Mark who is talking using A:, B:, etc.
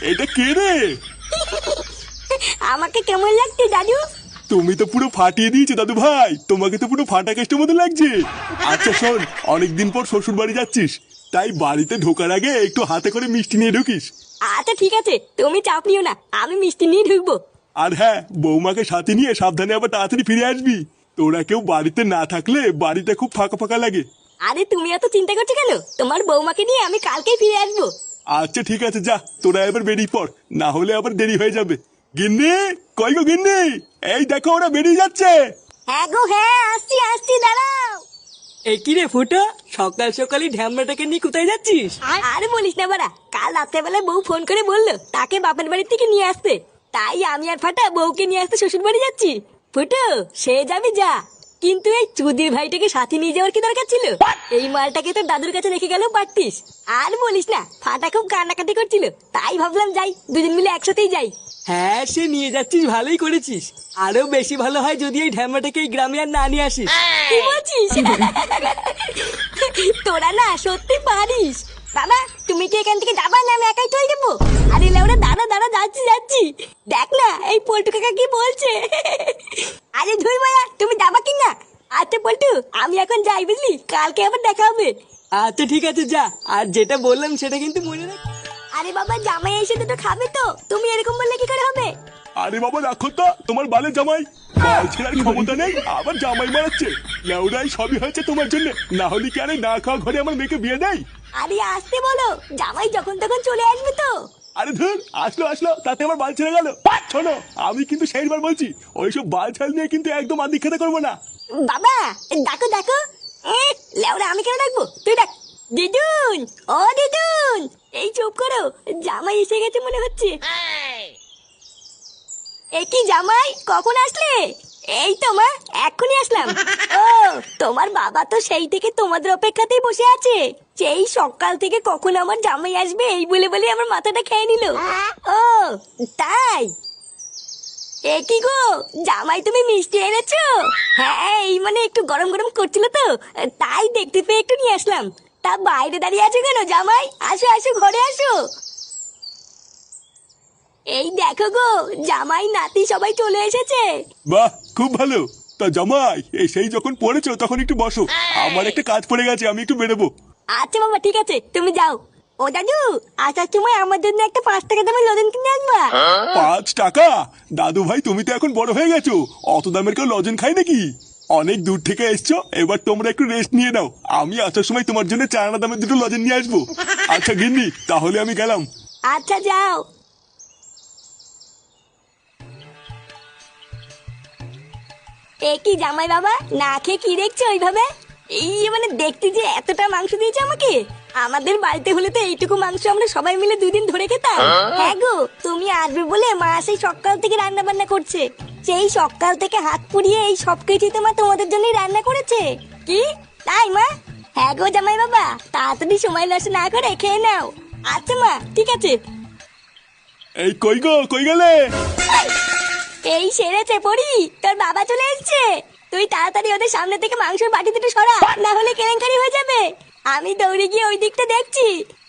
A: এটা কে রে?
B: আমাকে কেমন লাগছে দাদু?
A: তুমি তো পুরো ফাটিয়ে দিয়েছো দাদু ভাই, তোমাকে তো পুরো ফাটা কেস্টের মতো লাগছে। আচ্ছা শোন, অনেকদিন পর শ্বশুর বাড়ি যাচ্ছিস, তাই বাড়িতে ঢোকার আগে একটু হাতে করে মিষ্টি নিয়ে ঢুকিস।
B: আচ্ছা ঠিক আছে, তুমি চাপ নিও না, আমি মিষ্টি নিয়ে ঢুকবো।
A: আর হ্যাঁ, বৌমাকে সাথে নিয়ে সাবধানে আবার তাড়াতাড়ি ফিরে আসবি। তোরা কেউ বাড়িতে না থাকলে বাড়িটা খুব ফাঁকা ফাঁকা লাগে।
B: আরে তুমি এত চিন্তা করছো কেন? তোমার বৌমাকে নিয়ে আমি কালকেই ফিরে আসবো।
A: আচ্ছা ঠিক আছে, যা তোরা এবার বেরিয়ে পড়, না হলে আবার দেরি হয়ে যাবে। গিন্নি, কই গো গিন্নি, এই দেখো ওরা বেরিয়ে যাচ্ছে।
B: হ্যাঁ গো হ্যাঁ, আসছি আসছি, দাঁড়াও।
C: এ কি রে ফুটো, সকাল সকালই ঢ্যামড়াটাকে নিয়ে কোথায় যাচ্ছিস?
B: আরে বলিস না বাড়া, কাল রাত্রেবেলায় বউ ফোন করে বললো তাকে বাপের বাড়ি থেকে নিয়ে আসতে, তাই আমি আর ফাটা বউকে নিয়ে আসতে শ্বশুর বাড়ি যাচ্ছি। ফুটো, সে যাবি যা, কিন্তু এই চুদির ভাইটাকে সাথে নিয়ে যাওয়ার কি দরকার ছিল? এই মালটাকে তো দাদুর কাছে রেখে গেলেও পারতিস। আর বলিস না, ফাটা খুব কান্নাকাটি করছিল, তাই ভাবলাম যাই, দুজন মিলে একসাথেই যাই।
C: হ্যাঁ, সে নিয়ে যাচ্ছিস ভালোই করেছিস। আরো বেশি ভালো হয় যদি এই ঢ্যামড়াটাকে এই গ্রামে আর না নিয়ে আসিস।
B: কি বলছিস? তোরা না সত্যি পারিস। বাবা, তুমি কি এখান থেকে যাবা না আমি একাই চলে যাবো? আরে লেওরা, দাঁড়া দাঁড়া, যাচ্ছি যাচ্ছি। দেখ না এই পল্টু কাকা কি বলছে। আরে ধুই মায়া, তুমি যাবা কি না? আচ্ছা পল্টু, আমি এখন যাই, বুঝলি, কালকে আবার দেখা হবে।
C: আচ্ছা ঠিক আছে, যা। আর যেটা বললাম সেটা কিন্তু মনে রাখ।
B: আরে বাবা, জামাই এসে দুটো খাবে তো, তুমি এরকম বললে কি করে হবে?
A: আরে বাবা রাখো তো তোমার বালে জামাই, বাল ছেড়ার ক্ষমতা নেই আবার জামাই মারাচ্ছে। লেউরাই সবই হয়েছে তোমার জন্য, না হলে কি আরে না খাওয়া ঘরে আমার মেয়েকে বিয়ে দেয়?
B: আরে আসতে বলো, জামাই যখন তখন চলে আসবে তো।
A: আরে ধর, আসলো আসলো, তাতে আমার বাল ছেড়ে গেল। শোনো, আমি কিন্তু সেইবার বলছি, ওইসব বাল ছাল নিয়ে কিন্তু একদম আদি খেতে করবো না।
B: বাবা, ডাকো ডাকো। লেওরা, আমি কেন ডাকবো, তুই ডাক। দিদুন, ও দিদুন, এই চুপ করো, জামাই এসে গেছে মনে হচ্ছে। এ কি জামাই, কখন আসলে? এই তো মা, এক্ষুনি আসলাম। ও, তোমার বাবা তো সেই থেকে তোমাদের অপেক্ষাতেই বসে আছে, সেই সকাল থেকে কখন আমার জামাই আসবে এই বলে বলে আমার মাথাটা খেয়ে নিল। ও তাই? এ কি গো জামাই, তুমি মিষ্টি এনেছো? হ্যাঁ, এই মানে একটু গরম গরম করছিল তো, তাই দেখতে পেয়ে একটু নিয়ে আসলাম। তা বাইরে দাঁড়িয়ে আছো কেন জামাই? আসো আসো, ঘরে আসো। এই দেখো গো, জামাই নাতি সবাই চলে এসেছে।
A: বাহ, খুব ভালো। তা জামাই, এই সেই যখন পড়েছো তখন একটু বসো, আমার একটা কাজ পড়ে গেছে, আমি একটু বেরোবো।
B: আচ্ছা বাবা, ঠিক আছে, তুমি যাও। ও দাদু, আসার সময় আমার জন্য একটা 5 টাকা দামের লজেন কিনে আনবা।
A: 5 টাকা? দাদু ভাই তুমি তো এখন বড় হয়ে গেছো, অত দামের কেউ লজেন খায় নাকি? অনেক দূর থেকে এসছো, এবার তোমরা একটু রেস্ট নিয়ে নাও, আমি আসার সময় তোমার জন্য 4 আনা দামের দুটো লজেন নিয়ে আসবো। আচ্ছা গিন্নি, তাহলে আমি গেলাম।
B: আচ্ছা যাও। এ কি জামাই বাবা, না খেয়ে কি দেখছো ওইভাবে? এই মানে দেখতে যে এতটা মাংস দিয়েছে আমাকে, আমাদের বাড়িতে হলে তো এইটুকু মাংস আমরা সবাই মিলে 2 দিন ধরে খেতাম। হ্যাঁ গো, তুমি আসবে বলে মা সেই সকাল থেকে রান্না বান্না করছে, সেই সকাল থেকে হাত পুড়িয়ে এই সব কিছুই তো মা তোমাদের জন্যই রান্না করেছে। কি তাই মা? হ্যাঁ গো জামাই বাবা, তাড়াতাড়ি সময় নষ্ট না করে খেয়ে নাও। আচ্ছা মা, ঠিক আছে।
A: এই কই গো, কই গেলে?
B: এই সেরেছে পড়ি, তোর বাবা চলে এসেছে। তুই তাড়াতাড়ি ওদের সামনে থেকে মাংসের বাটি দুটো সরা, না হলে কেলেঙ্কারি হয়ে যাবে। আমি দৌড়ে গিয়ে ওই দিকটা দেখছি।